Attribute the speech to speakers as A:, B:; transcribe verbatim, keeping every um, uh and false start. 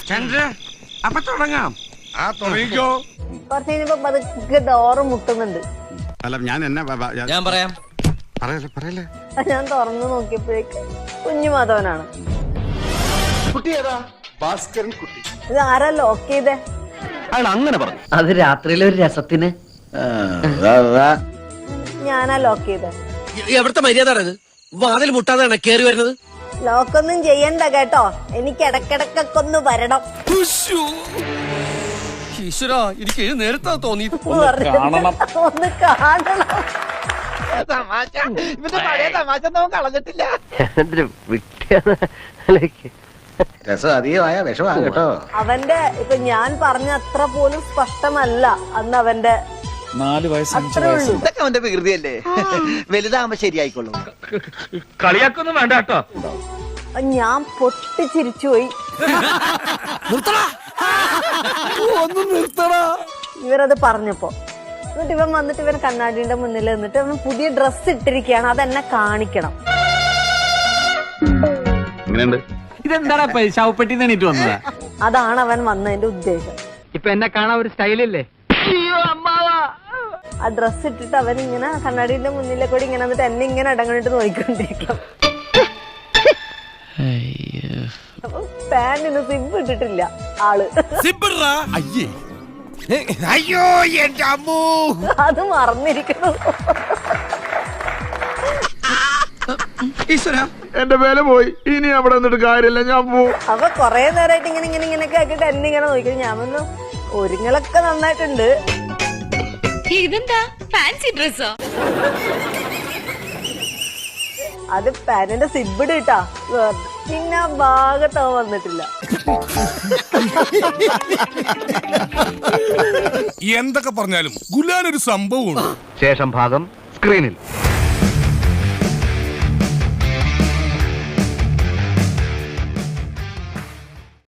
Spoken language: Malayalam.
A: അപ്പൊ തുടങ്ങാം. ആ തുടങ്ങിക്കോ.
B: കുറച്ച് കഴിഞ്ഞപ്പോ പതുക്കെ ഡോറ് മുട്ടുന്നുണ്ട്.
C: അല്ല ഞാൻ എന്നെ
D: ഞാൻ പറയാം.
C: പറയല്ലേ പറയല്ലേ.
B: ഞാൻ തുറന്നു നോക്കിയപ്പോഴേക്ക് കുഞ്ഞു മാധവനാണ്.
C: കുട്ടി ഏതാ? ഭാസ്കരൻ കുട്ടി.
B: ഇത് ആരാ ലോക്ക് ചെയ്തേ?
C: അയാൾ അങ്ങനെ പറഞ്ഞു.
E: അത് രാത്രിയിലെ ഒരു രസത്തിന്.
B: ഞാനാ ലോക്ക് ചെയ്തേ.
D: എവിടുത്തെ മര്യാദ വാതിൽ മുട്ടാതാണ് കേറി വരുന്നത്.
B: ലോക്കൊന്നും ചെയ്യണ്ട കേട്ടോ, എനിക്ക് ഇടക്കിടക്കൊക്കെ ഒന്ന് വരണം.
D: ഈശ്വര എനിക്ക് നേരത്തെ തോന്നി.
B: ഒന്ന് കാണണം.
E: കളഞ്ഞിട്ടില്ല.
C: രസം അധികമായ വിഷമാണ് കേട്ടോ.
B: അവന്റെ ഇപ്പൊ ഞാൻ പറഞ്ഞ അത്ര പോലും സ്പഷ്ടമല്ല അന്ന് അവന്റെ
F: നാല് വയസ്സ്
B: അത്രേ ഉള്ളൂ.
G: ഇതൊക്കെ അവന്റെ വികൃതിയല്ലേ, വലുതാകുമ്പോ ശരിയായിക്കോളും.
F: കളിയാക്കൊന്നും വേണ്ട കേട്ടോ.
B: ഞാൻ പൊട്ടിച്ചിരിച്ചു പോയി. ഇവരത് പറഞ്ഞപ്പോ എന്നിട്ട് ഇവൻ വന്നിട്ട് ഇവൻ കണ്ണാടിയുടെ മുന്നിൽ നിന്നിട്ട് അവൻ പുതിയ ഡ്രസ് ഇട്ടിരിക്കുകയാണ്, അതെന്നെ കാണിക്കണം.
F: ഇതെന്താടാ ശവപ്പെട്ടി എണീറ്റ് വന്നതാ?
B: അതാണ് അവൻ വന്നതിന്റെ ഉദ്ദേശം.
E: ഇപ്പൊ എന്നെ കാണാൻ ഒരു സ്റ്റൈലില്ലേ?
B: ആ ഡ്രസ് ഇട്ടിട്ട് അവൻ ഇങ്ങനെ കണ്ണാടിന്റെ മുന്നിലെ കൂടി ഇങ്ങനെ വന്നിട്ട് എന്നെ ഇങ്ങനെ ഇടങ്ങണിട്ട് നോക്കിക്കൊണ്ടിരിക്കാം. അപ്പൊ പാന്റിന് സിബ് ഇട്ടിട്ടില്ല ആള്.
A: അയ്യോ എന്റെ അമ്മൂ.
B: അത് മറന്നിരിക്കുന്നു.
A: എന്റെ വില പോയി, ഇനി അവിടെ നിന്നിട്ട് കാര്യമില്ല, ഞാൻ പോവും.
B: അപ്പൊ കൊറേ നേരമായിട്ട് ഇങ്ങനെ ഇങ്ങനെ ഇങ്ങനെയൊക്കെ ആക്കിട്ട് എന്നെ ഇങ്ങനെ നോക്കി. ഞാൻ വന്നു ഒരുങ്ങളൊക്കെ നന്നായിട്ടുണ്ട്.
H: ഇതെന്താ ഫാൻസി ഡ്രസ്സോ?
B: അത് പാനിന്റെ സിബിട് കിട്ടാ. പിന്നെ ആ ഭാഗത്ത് അവൻ വന്നിട്ടില്ല.
A: എന്തൊക്കെ പറഞ്ഞാലും ഗുലാൻ ഒരു സംഭവമുണ്ട്.
C: ശേഷം ഭാഗം സ്ക്രീനിൽ.